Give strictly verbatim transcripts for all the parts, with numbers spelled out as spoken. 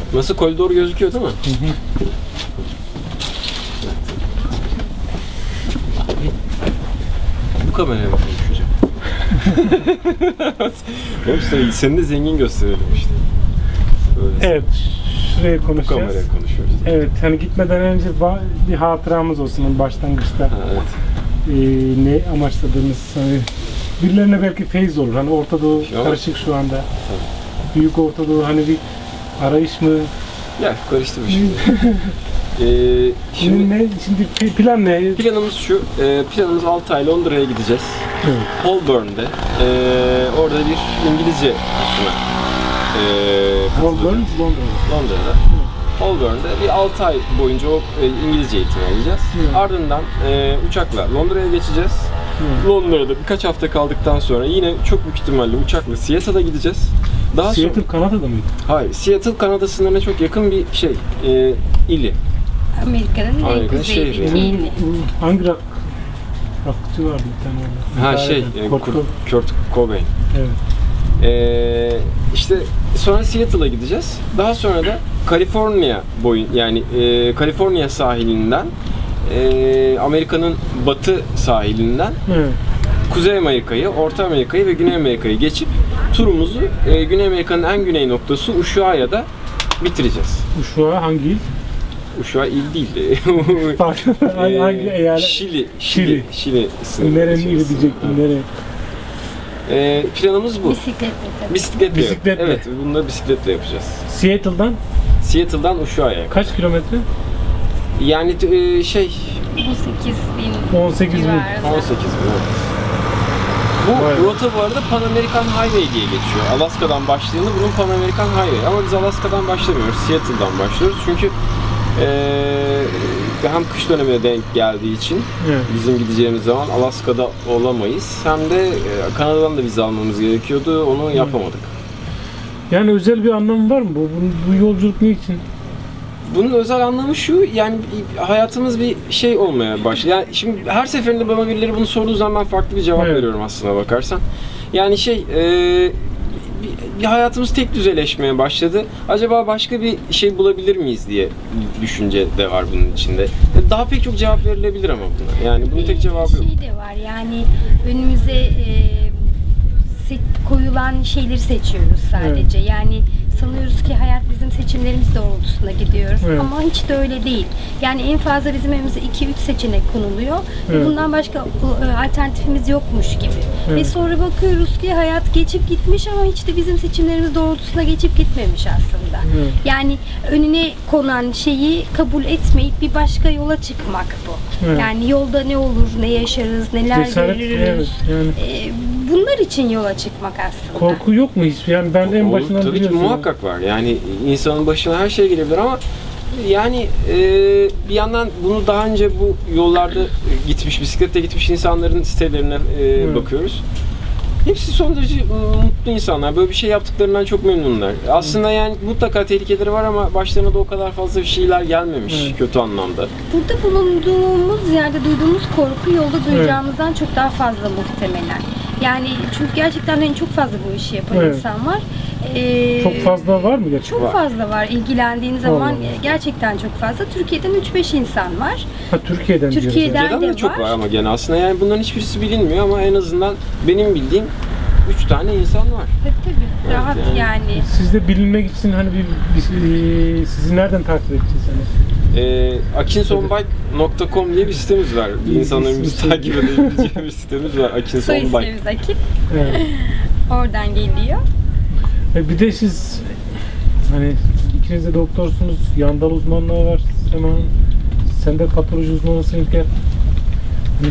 Nasıl koridor gözüküyor değil mi? Hı hı. Bu kameraya mı konuşacağım? Oğlum sen, seni de zengin gösterelim işte. Böyle Evet, şuraya konuşacağız. Bu kameraya konuşuyoruz. Evet, hani gitmeden önce bir hatıramız olsun başlangıçta. Ha, evet. Ee, ne amaçladığımız, hani birilerine belki feyiz olur. Hani Orta Doğu Yok. karışık şu anda. Tabii. Büyük Orta Doğu hani bir arayış mı? Ya karıştı bir şey. ee, Şimdi ne? Şimdi plan ne? Planımız şu. E, planımız altı ay Londra'ya gideceğiz. Evet. Holborn'de. E, orada bir İngilizce kursuna e, Holborn, katılacağız. Londra'da. Londra'da. Holborn'da bir altı ay boyunca o e, İngilizce eğitimi alacağız. Evet. Ardından e, uçakla Londra'ya geçeceğiz. Evet. Londra'da birkaç hafta kaldıktan sonra yine çok büyük ihtimalle uçakla Seattle'a gideceğiz. Daha Seattle sonra, Kanada'da mıydı? hayır, Seattle Kanada sınırına çok yakın bir şey, e, ili. Amerika'nın en Amerika'nın kuzeydeki şehri. ili. Hangi rock? Rockçı vardı bir tane orada. Ha İdare şey, eden. e, Kurt Kurt, Cobain. Kurt Cobain. Evet. Ee, işte sonra Seattle'a gideceğiz. Daha sonra da Kaliforniya boyun yani e, Kaliforniya sahilinden e, Amerika'nın batı sahilinden Evet. Kuzey Amerika'yı, Orta Amerika'yı ve Güney Amerika'yı geçip turumuzu e, Güney Amerika'nın en güney noktası Ushuaia'da bitireceğiz. Uşuğa hangi il? Ushuaia il değil. Farklı. Ee, hangi eyalet? Şili, Şili. Şili, Şili sınırı Nerenin ili içerisinde. diyecektim, nereye? Ee, planımız bu. Bisikletle tabii. Bisikletle. Bisikletle. Evet, bunları bisikletle yapacağız. Seattle'dan Seattle'dan Ushuaia'ya. kaç kilometre? Yani e, şey on sekiz bin on sekiz bin. civarında. on sekiz bin. Evet. Bu Vay. rota bu arada Pan American Highway diye geçiyor. Alaska'dan başlayanı bunun Pan American Highway. Ama biz Alaska'dan başlamıyoruz. Seattle'dan başlıyoruz. Çünkü e, hem kış dönemine denk geldiği için Evet. bizim gideceğimiz zaman Alaska'da olamayız. Hem de e, Kanada'dan da vize almamız gerekiyordu. Onu yapamadık. Yani özel bir anlamı var mı bu? Bu, bu yolculuk ne için? Bunun özel anlamı şu, yani hayatımız bir şey olmaya başladı. Yani şimdi her seferinde bana birileri bunu sorduğu zaman ben farklı bir cevap Evet. veriyorum aslına bakarsan. Yani şey, e, bir, bir hayatımız tek düzeleşmeye başladı. Acaba başka bir şey bulabilir miyiz diye düşünce de var bunun içinde. Daha pek çok cevap verilebilir ama buna. Yani bunun tek cevabı yok. Şey de var yani önümüze e, se- koyulan şeyleri seçiyoruz sadece. Evet. Yani sanıyoruz ki hayat bizim seçimlerimiz doğrultusunda gidiyor. Evet. Ama hiç de öyle değil. Yani en fazla bizim önümüze iki üç seçenek konuluyor. Evet. Ve bundan başka e, alternatifimiz yokmuş gibi. Evet. Ve sonra bakıyoruz ki hayat geçip gitmiş ama hiç de bizim seçimlerimiz doğrultusunda geçip gitmemiş aslında. Evet. Yani önüne konan şeyi kabul etmeyip bir başka yola çıkmak bu. Evet. Yani yolda ne olur, ne yaşarız, neler Cesaret, görürüz. evet, yani. Ee, bunlar için yola çıkmak aslında. Korku yok mu hiç? Yani ben en Olur, başından tabii ki biliyorsun. muhakkak var. Yani insanın başına her şey gelebilir ama yani e, bir yandan bunu daha önce bu yollarda gitmiş, bisikletle gitmiş insanların sitelerine e, Evet. bakıyoruz. Hepsi son derece mutlu insanlar. Böyle bir şey yaptıklarından çok memnunlar. Aslında yani mutlaka tehlikeleri var ama başlarına da o kadar fazla bir şeyler gelmemiş Evet. kötü anlamda. Burada bulunduğumuz yerde duyduğumuz korku yolda duyacağımızdan çok daha fazla muhtemelen. Yani çünkü gerçekten hani çok fazla bu işi yapan Evet. insan var. Ee, Çok fazla var mı gerçekten? Çok Var. fazla var. İlgilendiğin zaman Allah. gerçekten çok fazla. Türkiye'den üç beş insan var. Ha, Türkiye'den diyoruz Türkiye'den- yani. Türkiye'den de de çok var. var ama gene aslında yani bunların hiçbirisi bilinmiyor ama en azından benim bildiğim üç tane insan var. Tabii tabii. Evet, Rahat yani. yani. Siz de bilinmek için hani bir, bir- sizi nereden takip edeceğiz hani? E, akinsonbike nokta com diye bir sitemiz var. İyi, İnsanlarımızı ismi- takip edebileceği bir sitemiz var. Soy Akinsonbike. ismimiz Akif. Evet. Oradan geliyor. E bir de siz hani ikiniz de doktorsunuz, yandal uzmanlığı var Sema'nın. Sen de patoloji uzmanısın İlker. Hani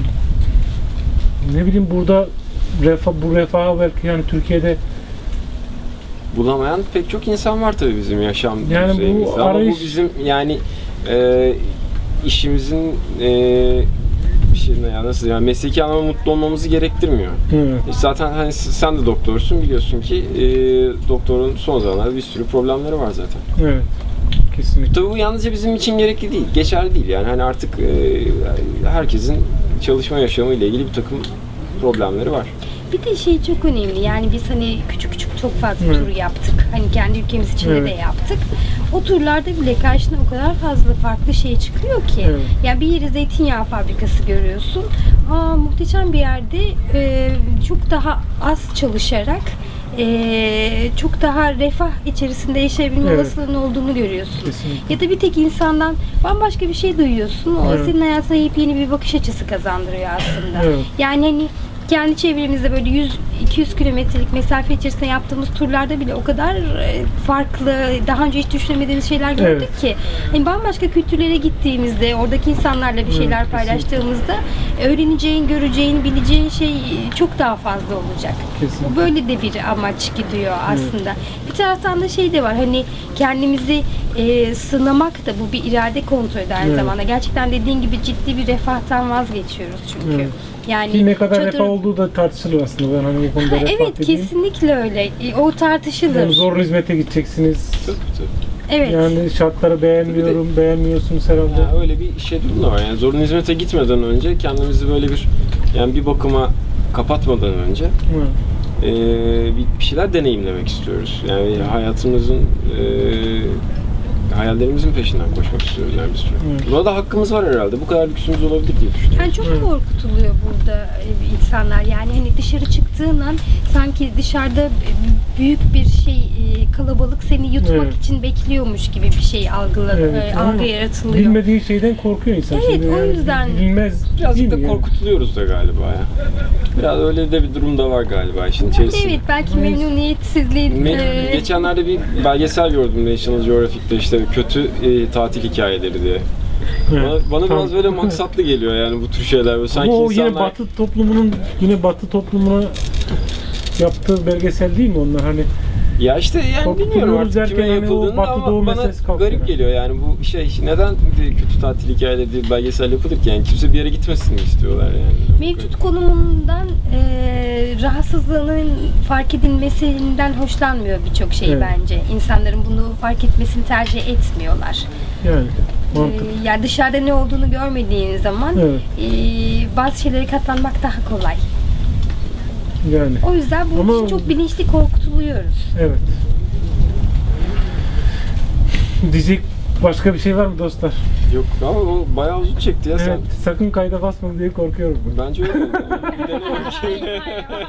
ne bileyim burada refa, bu refahı belki yani Türkiye'de Bulamayan pek çok insan var tabii bizim yaşam Yani bu düzeyimizde. Ama arayış- bu bizim yani e, işimizin e, bir şey ne ya nasıl yani mesleki anlamda mutlu olmamızı gerektirmiyor. evet. E, Zaten hani sen de doktorsun biliyorsun ki e, doktorun son zamanlarda bir sürü problemleri var zaten. Evet. Kesinlikle. Tabii bu yalnızca bizim için gerekli değil, geçerli değil yani hani artık e, herkesin çalışma yaşamı ile ilgili bir takım problemleri var. Bir de şey çok önemli yani biz hani küçük küçük çok fazla Evet. tur yaptık. Hani kendi ülkemiz içinde Evet. de yaptık. O turlarda bile karşına o kadar fazla farklı şey çıkıyor ki. Evet. Yani bir yeri zeytinyağı fabrikası görüyorsun. Aa, muhteşem bir yerde e, çok daha az çalışarak e, çok daha refah içerisinde yaşayabilme Evet. olasılığının olduğunu görüyorsun. Kesinlikle. Ya da bir tek insandan bambaşka bir şey duyuyorsun. O Evet. senin hayatına yepyeni bir bakış açısı kazandırıyor aslında. Evet. Yani hani kendi çevremizde böyle yüz iki yüz kilometrelik mesafe içerisinde yaptığımız turlarda bile o kadar e, farklı, daha önce hiç düşünemediğimiz şeyler gördük Evet. ki. Hani bambaşka kültürlere gittiğimizde, oradaki insanlarla bir Evet, şeyler kesinlikle. paylaştığımızda öğreneceğin, göreceğin, bileceğin şey çok daha fazla olacak. Kesinlikle. Bu böyle de bir amaç gidiyor aslında. Bir taraftan da şey de var, hani kendimizi e, sınamak da bu bir irade kontrolü de aynı Evet. zamanda. Gerçekten dediğin gibi ciddi bir refahtan vazgeçiyoruz çünkü. Evet. Yani Ki ne kadar çadır- refah olduğu da tartışılır aslında. Ben hani bu konuda Ha, refah evet dediğim. kesinlikle öyle. E, O tartışılır. Yani zorlu hizmete gideceksiniz. Tabii, tabii. Evet. Yani şartları beğenmiyorum, beğenmiyorsunuz herhalde. Ya öyle bir şey durum da var. Yani zorunlu hizmete gitmeden önce kendimizi böyle bir yani bir bakıma kapatmadan önce Hı. e, bir, bir şeyler deneyimlemek istiyoruz. Yani hayatımızın e, hayallerimizin peşinden koşmak istiyoruz yani bir süre. Evet. Buna da hakkımız var herhalde. Bu kadar lüksümüz olabilir diye düşünüyorum. Yani çok Evet. korkutuluyor burada e, insanlar. Yani hani dışarı çıktığın an sanki dışarıda büyük bir şey e, kalabalık seni yutmak Evet. için bekliyormuş gibi bir şey algıla, Evet, e, ama algı yaratılıyor. bilmediği şeyden korkuyor insan. Evet, Şimdi o yani yüzden. Bilmez değil Birazcık da mi yani? korkutuluyoruz da galiba ya. Biraz öyle de bir durum da var galiba işin içerisinde. Evet, belki Neyse. memnuniyetsizliğin Me- e, Geçenlerde bir belgesel gördüm National Geographic'te işte kötü e, tatil hikayeleri diye. Evet, Bana, bana tamam. biraz böyle maksatlı geliyor yani bu tür şeyler. Böyle sanki Ama o yine insanlar... Batı toplumunun yine Batı toplumuna yaptığı belgesel değil mi onlar hani? Ya işte yani Korkutuluyoruz bilmiyorum artık derken kime hani o yapıldığını Batı Doğu ama bana meselesi kalkıyor garip yani. geliyor yani bu şey neden bir kötü tatil hikayeleri diye bir belgesel yapılır ki yani kimse bir yere gitmesin mi istiyorlar yani. mevcut konumundan e, rahatsızlığının fark edilmesinden hoşlanmıyor birçok şey Evet. bence. İnsanların bunu fark etmesini tercih etmiyorlar. Yani E, mantık. yani dışarıda ne olduğunu görmediğin zaman Evet. e, bazı şeylere katlanmak daha kolay. Yani O yüzden bu Ama- için çok bilinçli korkutuluyoruz. evet. Diyecek başka bir şey var mı dostlar? Yok ama o bayağı uzun çekti ya Evet, sen. sakın kayda basma diye korkuyorum ben. Bence öyle. Bir dene bakayım.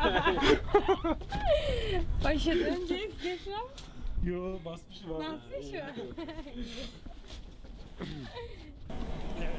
Başladı önce istiyorsan. Yo basmışım abi. Basmış mı?